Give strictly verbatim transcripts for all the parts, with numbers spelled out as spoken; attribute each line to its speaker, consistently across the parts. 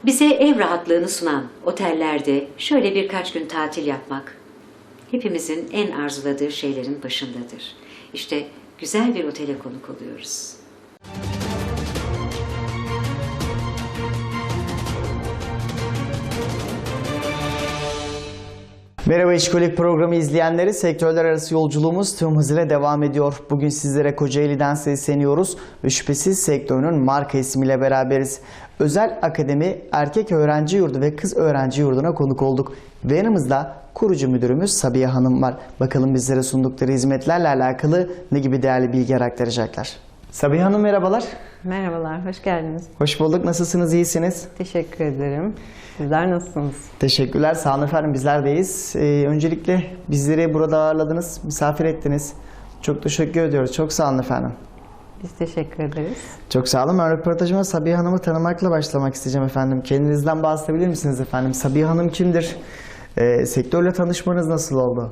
Speaker 1: Bize ev rahatlığını sunan otellerde şöyle birkaç gün tatil yapmak hepimizin en arzuladığı şeylerin başındadır. İşte güzel bir otele konuk oluyoruz.
Speaker 2: Merhaba İşkolik programı izleyenleri, sektörler arası yolculuğumuz tüm hızıyla devam ediyor. Bugün sizlere Kocaeli'den sesleniyoruz ve şüphesiz sektörünün marka ismiyle beraberiz. Özel Akademi Erkek Öğrenci Yurdu ve Kız Öğrenci Yurdu'na konuk olduk. Ve yanımızda kurucu müdürümüz Sabiha Hanım var. Bakalım bizlere sundukları hizmetlerle alakalı ne gibi değerli bilgiler aktaracaklar. Sabiha Hanım merhabalar.
Speaker 3: Merhabalar, hoş geldiniz.
Speaker 2: Hoş bulduk. Nasılsınız, iyisiniz?
Speaker 3: Teşekkür ederim. Sizler nasılsınız?
Speaker 2: Teşekkürler, sağ olun efendim, bizler deyiz. Ee, öncelikle bizleri burada ağırladınız, misafir ettiniz. Çok teşekkür ediyoruz, çok sağ olun efendim.
Speaker 3: Biz teşekkür ederiz.
Speaker 2: Çok sağ olun. Ben röportajıma Sabiha Hanım'ı tanımakla başlamak isteyeceğim efendim. Kendinizden bahsedebilir misiniz efendim? Sabiha Hanım kimdir? Ee, sektörle tanışmanız nasıl oldu?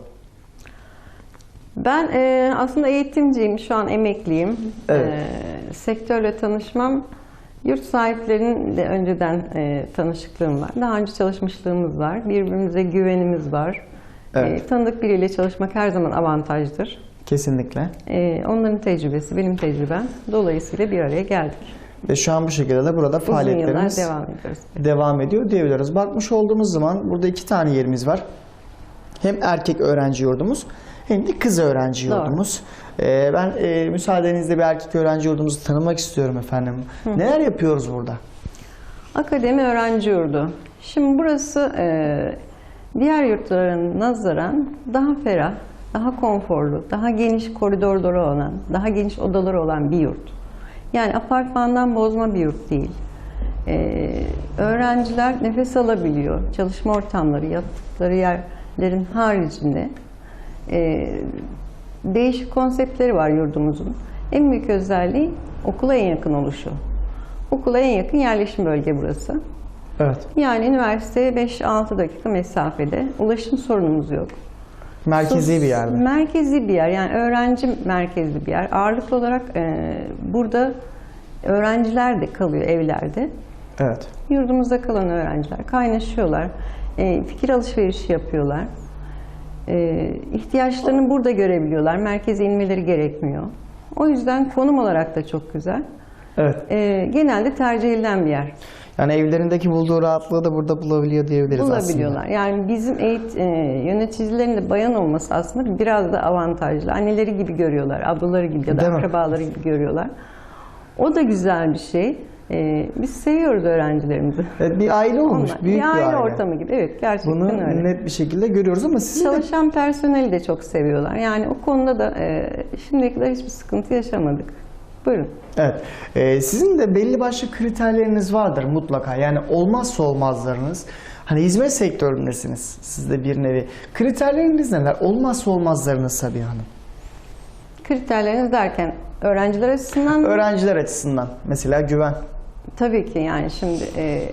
Speaker 3: Ben e, aslında eğitimciyim, şu an emekliyim.
Speaker 2: Evet.
Speaker 3: E, sektörle tanışmam, yurt sahiplerinin de önceden e, tanışıklığım var. Daha önce çalışmışlığımız var. Birbirimize güvenimiz var.
Speaker 2: Evet.
Speaker 3: E, tanıdık biriyle çalışmak her zaman avantajdır.
Speaker 2: Kesinlikle.
Speaker 3: E, onların tecrübesi, benim tecrübem. Dolayısıyla bir araya geldik.
Speaker 2: Ve şu an bu şekilde de burada
Speaker 3: Uzun yıllar
Speaker 2: faaliyetlerimiz
Speaker 3: devam ediyoruz.
Speaker 2: devam ediyor diyebiliriz. Bakmış olduğumuz zaman burada iki tane yerimiz var. Hem erkek öğrenci yurdumuz hem de kız öğrenci
Speaker 3: Doğru.
Speaker 2: yurdumuz. Ee, ben e, müsaadenizle bir erkek öğrenci yurdumuzu tanımak istiyorum efendim. Hı. Neler yapıyoruz burada?
Speaker 3: Akademi Öğrenci Yurdu. Şimdi burası e, diğer yurtların nazaran daha ferah, daha konforlu, daha geniş koridorları olan, daha geniş odaları olan bir yurt. Yani apartmandan bozma bir yurt değil. E, öğrenciler nefes alabiliyor. Çalışma ortamları, yattıkları yerlerin haricinde e, değişik konseptleri var yurdumuzun. En büyük özelliği okula en yakın oluşu. Okula en yakın yerleşim bölge burası.
Speaker 2: Evet.
Speaker 3: Yani üniversiteye beş altı dakika mesafede. Ulaşım sorunumuz yok.
Speaker 2: Merkezi
Speaker 3: Sos-
Speaker 2: bir yerde.
Speaker 3: Merkezi bir yer. Yani öğrenci merkezli bir yer. Ağırlıklı olarak e, burada öğrenciler de kalıyor evlerde.
Speaker 2: Evet.
Speaker 3: Yurdumuzda kalan öğrenciler kaynaşıyorlar. E, fikir alışverişi yapıyorlar. E, ihtiyaçlarını burada görebiliyorlar. Merkeze inmeleri gerekmiyor. O yüzden konum olarak da çok güzel.
Speaker 2: Evet.
Speaker 3: E, genelde tercih edilen bir yer.
Speaker 2: Yani evlerindeki bulduğu rahatlığı da burada bulabiliyor diyebiliriz
Speaker 3: Bulabiliyorlar.
Speaker 2: aslında.
Speaker 3: Yani bizim eğit, e, yöneticilerin de bayan olması aslında biraz da avantajlı. Anneleri gibi görüyorlar, ablaları gibi ya da
Speaker 2: Değil mi?
Speaker 3: akrabaları gibi görüyorlar. O da güzel bir şey. E, biz seviyoruz öğrencilerimizi.
Speaker 2: Evet, bir aile olmuş,
Speaker 3: Onlar,
Speaker 2: büyük
Speaker 3: bir aile,
Speaker 2: bir aile.
Speaker 3: ortamı gibi. Evet, gerçekten
Speaker 2: Bunu
Speaker 3: öyle.
Speaker 2: net bir şekilde görüyoruz ama sizin de...
Speaker 3: Çalışan personeli de çok seviyorlar. Yani o konuda da e, şimdiye kadar hiçbir sıkıntı yaşamadık. Buyurun.
Speaker 2: Evet. Ee, sizin de belli başlı kriterleriniz vardır mutlaka. Yani olmazsa olmazlarınız. Hani hizmet sektöründesiniz. Siz de bir nevi. Kriterleriniz neler? Olmazsa olmazlarınız Sabiha Hanım.
Speaker 3: Kriterleriniz derken öğrenciler açısından mı?
Speaker 2: Öğrenciler açısından. Mesela güven.
Speaker 3: Tabii ki yani şimdi e,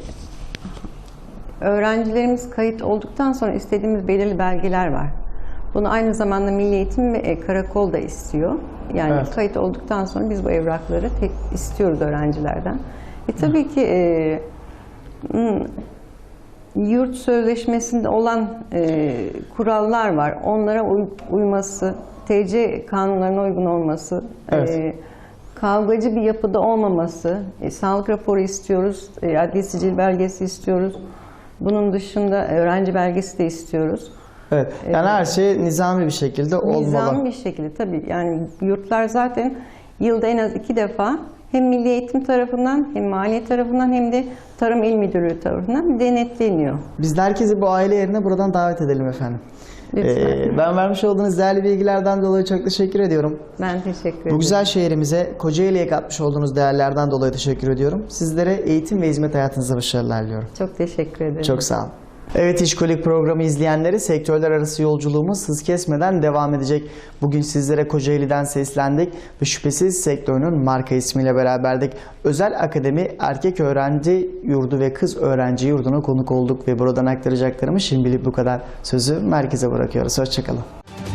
Speaker 3: öğrencilerimiz kayıt olduktan sonra istediğimiz belirli belgeler var. Bunu aynı zamanda Milli Eğitim ve e, Karakol da istiyor. Yani
Speaker 2: Evet.
Speaker 3: kayıt olduktan sonra biz bu evrakları tek istiyoruz öğrencilerden. E tabii ki e, hmm, yurt sözleşmesinde olan e, kurallar var. Onlara uy uyması, T C kanunlarına uygun olması,
Speaker 2: Evet.
Speaker 3: e, kavgacı bir yapıda olmaması, e, sağlık raporu istiyoruz, e, adli sicil belgesi istiyoruz. Bunun dışında öğrenci belgesi de istiyoruz.
Speaker 2: Evet. Yani her şey nizami bir şekilde olmalı.
Speaker 3: Nizami bir şekilde tabii. Yani yurtlar zaten yılda en az iki defa hem Milli Eğitim tarafından hem Maliye tarafından hem de Tarım İl Müdürlüğü tarafından denetleniyor.
Speaker 2: Biz de herkesi bu aile yerine buradan davet edelim efendim.
Speaker 3: Lütfen.
Speaker 2: Ee, ben vermiş olduğunuz değerli bilgilerden dolayı çok teşekkür ediyorum.
Speaker 3: Ben teşekkür ederim.
Speaker 2: Bu güzel şehrimize, Kocaeli'ye katmış olduğunuz değerlerden dolayı teşekkür ediyorum. Sizlere eğitim ve hizmet hayatınızda başarılar diliyorum.
Speaker 3: Çok teşekkür ederim.
Speaker 2: Çok sağ olun. Evet İşkolik programı izleyenleri, sektörler arası yolculuğumuz hız kesmeden devam edecek. Bugün sizlere Kocaeli'den seslendik ve şüphesiz sektörünün marka ismiyle beraberdik. Özel Akademi Erkek Öğrenci Yurdu ve Kız Öğrenci Yurdu'na konuk olduk ve buradan aktaracaklarımı şimdilik bu kadar. Sözü merkeze bırakıyoruz. Hoşçakalın.